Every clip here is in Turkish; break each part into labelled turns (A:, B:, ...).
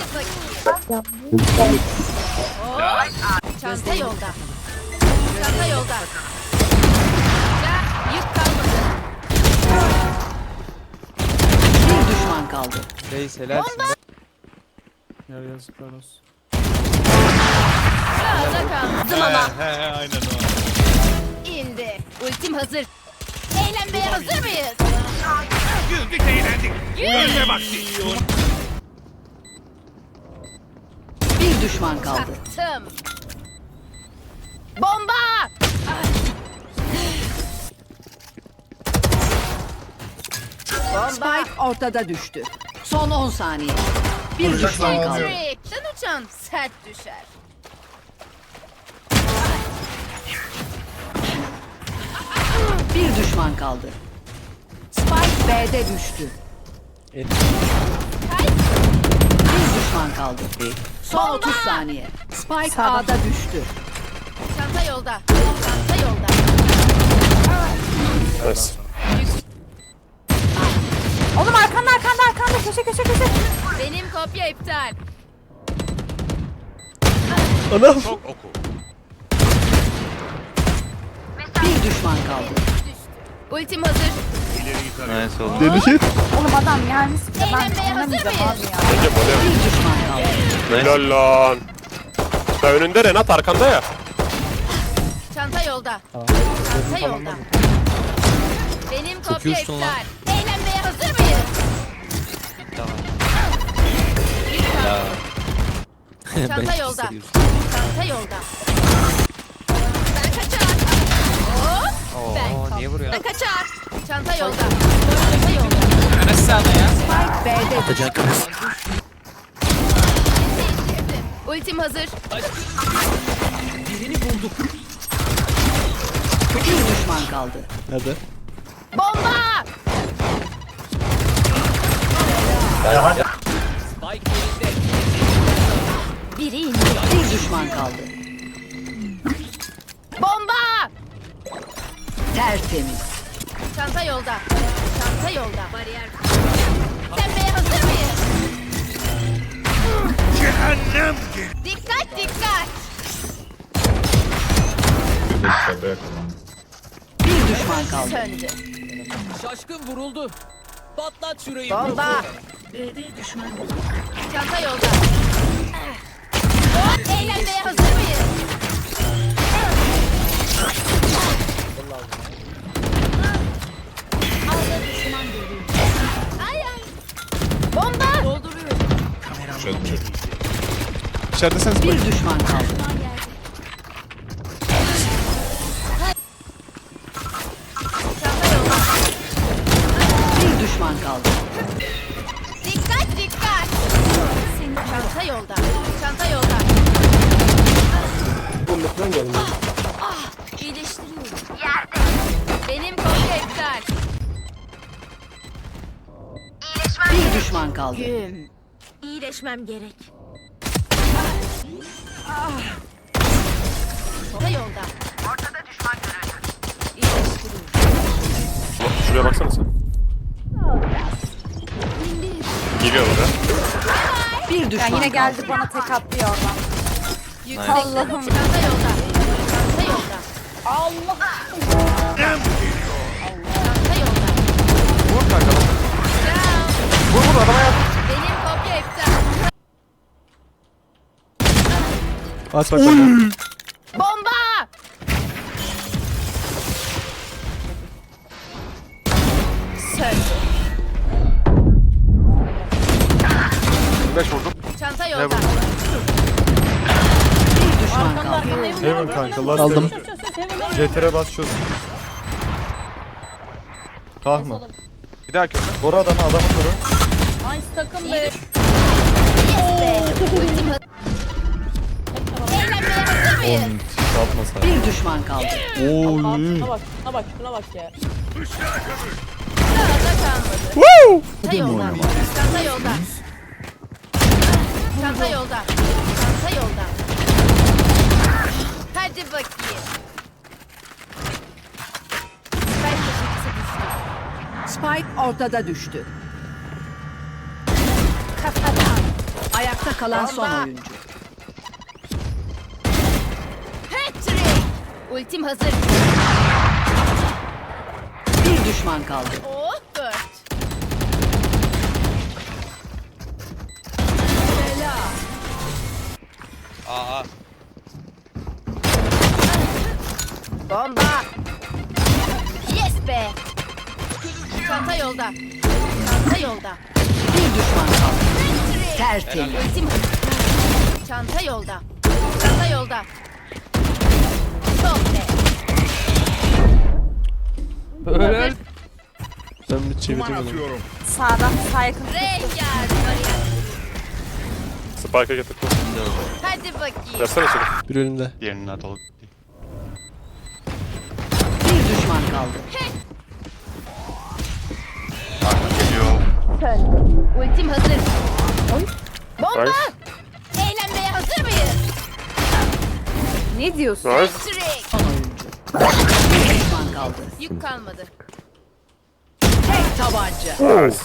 A: Çanta yolda. Çanta yolda. Yük kalmadı.
B: Bir düşman kaldı.
C: Reis helalsin.
D: Ya yazıklar olsun.
A: Sağda kaldı. Ama
E: He aynen o.
A: indi. Ultim hazır. Eğlenmeye hazır mıyız?
E: Güldük eğlendik. Ölme vakti.
B: Bir düşman kaldı.
A: Tım. Bomba! Bomba!
B: Spike ortada düştü. Son 10 saniye. Bir düşman kaldı.
A: Trick. Sen uçan sert düşer.
B: Bir düşman kaldı. Spike B'de düştü.
A: Kay.
B: Bir düşman kaldı. Son 30 saniye. Spike A'da düştü.
A: Çanta yolda. Çanta yolda.
F: Oğlum arkanda köşe.
A: Benim kopya iptal.
E: Çok oku.
B: Bir düşman kaldı.
A: Ultim hazır.
E: İleri yukarı.
C: Nice oldu.
D: Deli şey.
F: Oğlum adam gelmiş bir de ben
A: Eğlenmeye hazır
F: oynamayacağım
A: mıyız?
F: abi ya.
B: Bir düşman kaldı.
G: Helal lan. Da önünde Renat arkanda ya.
A: Çanta yolda. Çanta yolda. Benim kopya
C: uçtun lan.
A: iptal. Eğlenmeye hazır mıyız?
C: Tamam.
A: Çanta yolda. Çanta yolda. Ben kaçar. Hop.
C: Oo niye vuruyor?
A: Ben kaçar. Çanta yolda. Çanta yolda.
B: Spike B'de düştü.
A: Ultim hazır.
B: Bir düşman kaldı.
D: Hadi.
A: Bomba! Biri indi.
B: Bir düşman kaldı.
A: Bomba!
B: Tertemiz.
A: Çanta yolda. Çanta yolda. Bariyer. Tembeye hazır mıyız?
E: Cehennem gel.
A: Dikkat dikkat.
B: Bir düşman kaldı.
A: Söndü.
H: Şaşkın vuruldu. Patlat şurayı.
A: Bomba. Çanta yolda. Hop, eğlenmeye hazır mıyız? Ay ay. Bomba. Dolduruyorum.
D: İçerideseniz bak.
B: Bir düşman kaldı.
A: Çanta yolda.
B: Bir düşman kaldı.
A: Dikkat dikkat. Çanta yolda. Çanta yolda. İyileştiriyorum. Yerde. Benim kopya iptal.
B: Bir düşman kaldı.
A: Güm. İyileşmem gerek. Çanta yolda. Ortada düşman görüldü. İyileştiriyorum.
G: Şuraya baksana sen. Geliyor orada.
B: Bir
F: Ya
B: düşman
F: yine
B: kaldı.
F: geldi bana tek atlıyor oradan.
A: Yüksek.
F: Allah'ım.
A: Çanta yolda. Çanta yolda.
E: Cehennem geliyor.
A: Çanta yolda.
G: Vur kanka.
A: Down.
G: Vur adama yap.
A: Benim kopya iptal.
D: Aç bak bakalım.
A: Bomba! Söndü.
G: 5 vurdum.
A: Çanta yolda.
B: Bir düşman kaldı.
D: Heaven kanka last
C: Aldım.
D: CTR'e bas çöz. Tahma.
G: Bir daha köşe.
D: Koru adamı koru.
A: Ultim hazır. Eğlenmeye hazır mıyız?
D: Yapma sen.
B: Bir düşman kaldı.
D: Oy.
A: Sağda kalmadı. Çanta yolda. Çanta yolda. Çanta yolda. Çanta yolda. Hadi bakayım. Ben taşıtısı düştü.
B: Spike ortada düştü.
A: Kafadan.
B: Ayakta kalan son oyuncu.
A: Hat-trick. Ultim hazır.
B: Bir düşman kaldı.
A: Oh 4.
C: Aa.
A: Bomba. Yes be. Çanta yolda. Çanta yolda.
B: Bir düşman kaldı.
A: Hat-trick.
B: Tertemiz.
A: Ultim hazır. Çanta yolda. Çanta yolda. Çok be.
C: Öyle.
D: Ben bir çevirdim
E: Duman
D: onu.
E: atıyorum.
F: Sağdan sağ yakın.
A: Rengar bariyer.
G: Spike'a getirdim.
A: Hadi bakayım.
G: Yazsana içeri.
D: Bir önünde.
E: Diğerinin atalı.
B: Bir düşman kaldı.
E: Geliyor.
A: Ultim hazır. Bomba.
G: Nice.
A: Eğlenmeye hazır mıyız?
F: Ne diyorsun?
G: Nice.
A: Hat-trick.
B: Son oyuncu. Bir düşman kaldı.
A: Yük kalmadı.
B: Tek tabanca.
G: Nice.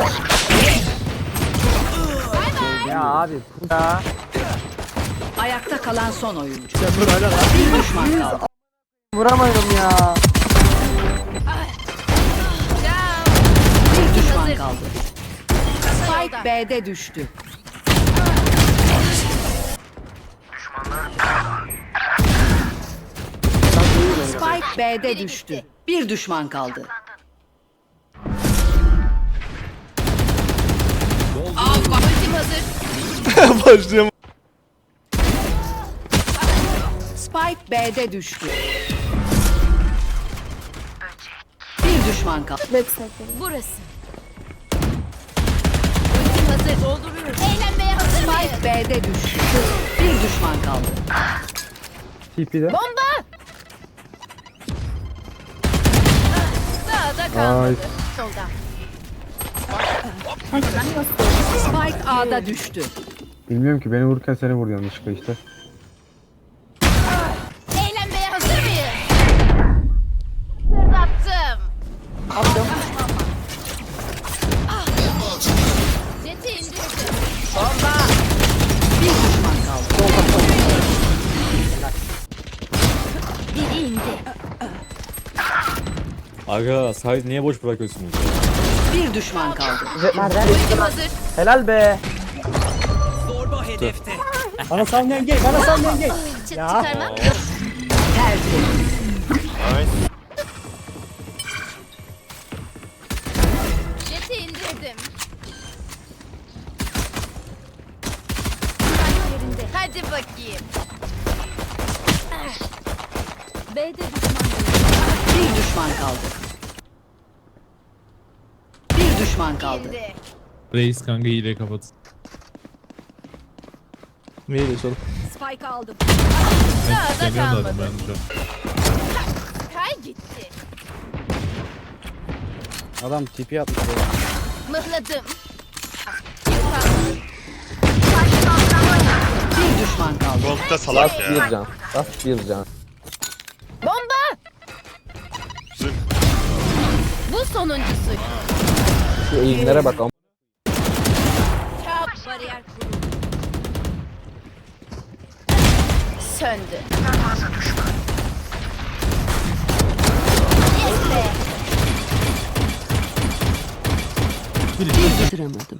B: Ayakta kalan son oyuncu. Bir düşman kaldı.
A: Ciao.
B: Bir düşman
A: Hazır.
B: kaldı. Spike B'de düştü. Spike B'de düştü. Bir düşman kaldı.
A: Ultim hazır.
D: Başlayalım.
B: Spike B'de düştü. Bir düşman kaldı.
A: Burası. Ultim hazır. Dolduruyorum. Eğlenmeye hazır mıyız?
B: Spike B'de düştü. Bir düşman kaldı.
A: Bomba. Sağda kalmadı. Solda.
B: Spike A'da düştü.
I: Bilmiyorum ki beni vururken seni vurdu yanlışlıkla işte.
A: Eğlenmeye hazır mıyız? Fırlattım. Jeti indirdim.
B: Bir düşman kaldı.
A: Biri indi.
D: Aga sahil niye boş bırakıyorsunuz?
B: Bir düşman kaldı.
A: Ultim hazır.
H: Zorba hedefte.
A: Çıt çıkarmak.
B: Tertemiz.
A: Jeti indirdim. Hadi bakayım. B'de
B: Bir düşman kaldı. Bir düşman kaldı.
A: indi.
J: Reis kanka hile kapat.
D: Neyi de sorun?
B: Spike aldım.
A: Sağda
J: Demiyor zaten
A: kalmadı.
J: ben de.
A: Kay gitti.
I: Adam tipi atmış.
A: Mıhladım. Yük kalmadı.
B: Bir düşman kaldı.
E: Gold'da salak ya.
I: can. Bas bir can.
A: Bomba!
E: Zınk.
A: Bu sonuncusu.
I: Şu eğimlere bak.
A: Kap bariyer kuruldu. Söndü. Yes be!
B: Bir düşüramadım.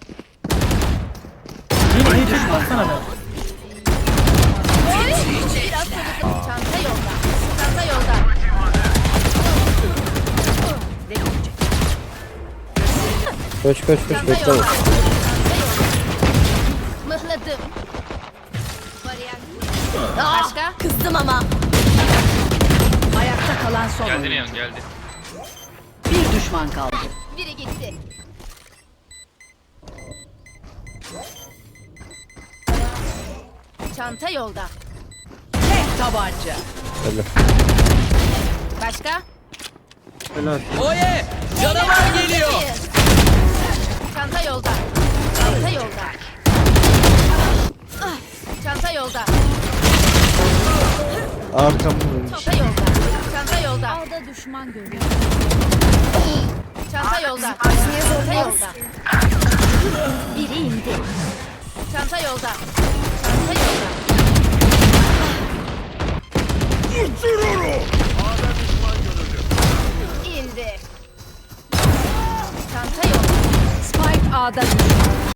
B: Bir düşman kaldı.
A: Biraz soluklu. Çanta yolda. Çanta yolda.
I: Koş koş koş
A: Çanta
I: bekle.
A: yolda. Çanta yolda. Mıhladım. Bariyer kuruldu. Başka? Kızdım ama.
B: Ayakta kalan son
C: Geldi
B: oyuncu.
C: Neon geldi.
B: Bir düşman kaldı.
A: Biri gitti. Çanta yolda.
B: Tek tabanca.
A: Başka?
H: Oye! Canavar geliyor.
A: Çanta yolda. Çanta yolda. Ah, çanta yolda.
D: Arkamda.
A: Çanta yolda. Çanta yolda. Alda düşman görüyor. Çanta yolda. Çanta yolda. Biri indi. Çanta yolda. Çanta yolda. İndi. Çanta yolda.
B: Spike A'da düştü.